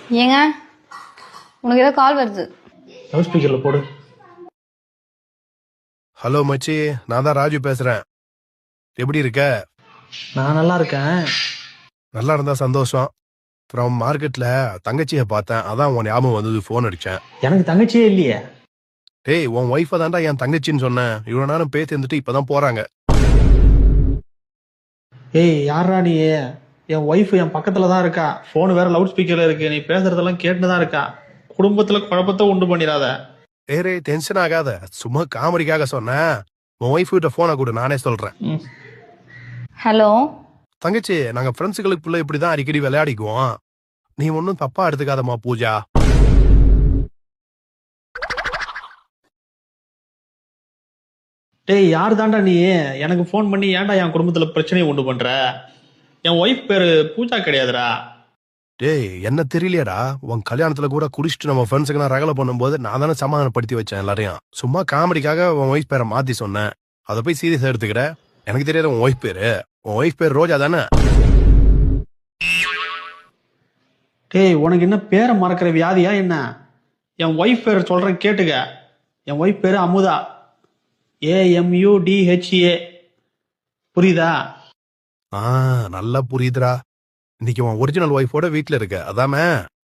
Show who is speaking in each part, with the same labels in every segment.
Speaker 1: ஏங்க உனக்கு ஏதோ கால் வருது.
Speaker 2: லவுட் ஸ்பீக்கர்ல போடு.
Speaker 3: ஹலோ மச்சி, நான் தான் ராஜு பேசுறேன். எப்படி இருக்க?
Speaker 2: நான் நல்லா இருக்கேன்.
Speaker 3: நல்லா இருந்தா சந்தோஷம். அப்புறம் மார்க்கெட்ல தங்கச்சியை பார்த்தேன், அதான் உன் ஞாபகம் வந்தது, ஃபோன் அடிச்சேன்.
Speaker 2: எனக்கு தங்கச்சியே இல்லையே.
Speaker 3: டேய், உன் ஒய்ஃபை தான்டா என் தங்கச்சின்னு சொன்னேன். இவ்வளவு நேரம் பேசி இருந்துட்டு இப்பதான் போறாங்க.
Speaker 2: ஏய் யாரா நீ? என் ஒய்ஃப் என் பக்கத்துல தான் இருக்கா. போன் வேற லவுட் ஸ்பீக்கர்ல இருக்கு. நீ பேசுறதெல்லாம் கேட்டுதான் தான் இருக்கா. குடும்பத்துல குழப்பத்தை உண்டு பண்ணிடாத.
Speaker 3: ஏரே டென்ஷன் ஆகாத, சும்மா காமெடிக்காக சொன்னேன். உன் ஒய்ஃப் கிட்ட போனை கொடு, நானே சொல்றேன்.
Speaker 1: ஹலோ
Speaker 3: தங்கச்சி, நாங்க ஃப்ரெண்ட்ஸுகளுக்குள்ள இப்படிதான் அடிக்கடி விளையாடிக்குவோம். நீ ஒன்னும் தப்பா எடுத்துக்காதம்மா பூஜா.
Speaker 2: டேய் யாரு தாண்டா நீ? எனக்கு போன் பண்ணி ஏன்டா என் குடும்பத்துல பிரச்சனையை உண்டு பண்ற? என் ஒய்ஃப் பேரு பூஜா கிடையாதுடா.
Speaker 3: டேய், என்ன தெரியலையடா, உன் கல்யாணத்துல கூட குடிச்சிட்டு நம்ம ஃப்ரெண்ட்ஸுக்கு நான் ரகலை பண்ணும்போது நான் தானே சமாதானப்படுத்தி வச்சேன் எல்லாரையும். சும்மா காமெடிக்காக உன் ஒய்ஃப் பேரை மாத்தி சொன்னேன். அதை போய் சீரியஸா எடுத்துக்கிற? எனக்கு தெரியாத உன் ஒய்ஃப் பேரு. உன் ஒய்ஃப் பேர் ரோஜா தானே?
Speaker 2: டேய் உனக்கு என்ன பேரை மறக்கிற வியாதியா என்ன? என் ஒய்ஃப் பேர் சொல்றேன் கேட்டுக்க. என் ஒய்ஃப் பேரு அமுதா. AMUDHA. புரியுதா?
Speaker 3: நல்லா புரியுதுடா. இன்னைக்கு உன் ஒரிஜினல் ஒய்ஃபோட வீட்டுல இருக்க, அதாம?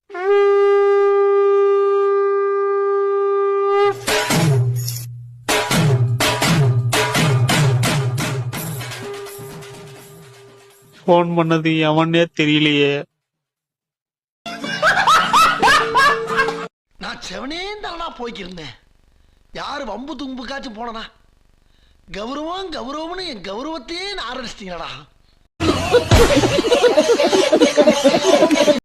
Speaker 2: போன் பண்ணது எவனே தெரியலையே.
Speaker 4: நான் செவனே தானா போய்க்கிருந்தேன். யாரு வம்பு தும்புக்காச்சும் போனனா? கௌரவம் கௌரவம்னு என் கௌரவத்தையே ஆரம்பிச்சிட்டீங்களா?